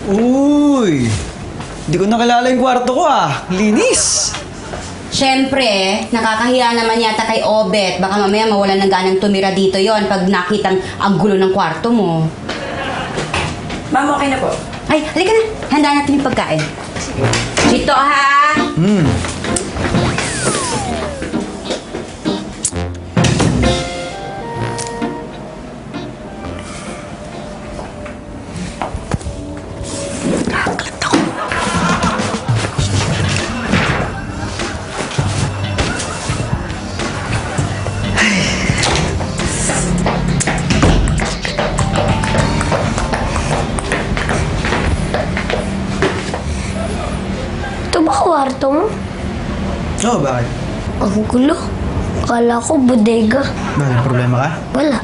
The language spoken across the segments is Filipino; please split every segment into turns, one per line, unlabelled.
Uy! Hindi ko nakilala yung kwarto ko Linis!
Siyempre, nakakahiya naman yata kay Obet. Baka mamaya mawalan ng ganang tumira dito yon pag nakitang ang gulo ng kwarto mo.
Ma'am, okay na po.
Ay, halika na. Handa natin yung pagkain. Chito, ha?
Ito ba kwarto mo?
Oo, bakit?
Ang gulo. Akala ko bodega.
May problema ka?
Wala.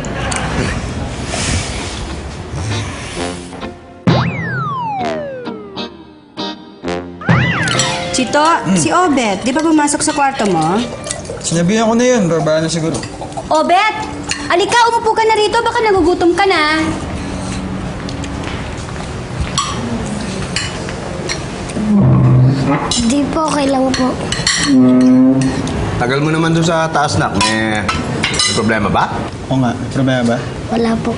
Chito, si Obet, di ba pumasok sa kwarto mo?
Sinabihan ko na yun, babaan na siguro.
Obet! Alika, umupo ka na rito. Baka nagugutom ka na.
Hindi po, okay lang po.
Tagal mo naman doon sa taas, nak. May problema ba?
Oo nga, may problema ba?
Wala po.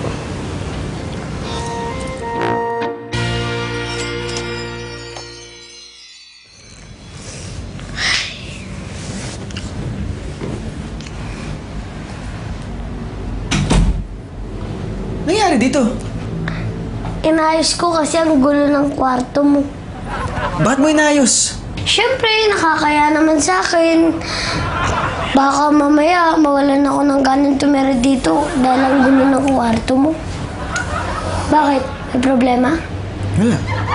Nangyari dito?
Inayos ko kasi ang gulo ng kwarto mo.
Bakit mo inayos?
Siyempre, nakakaya naman sa akin. Baka mamaya mawalan ako ng ganang tumira dito dahil ang gulo ng kwarto mo. Bakit? May problema?
Wala.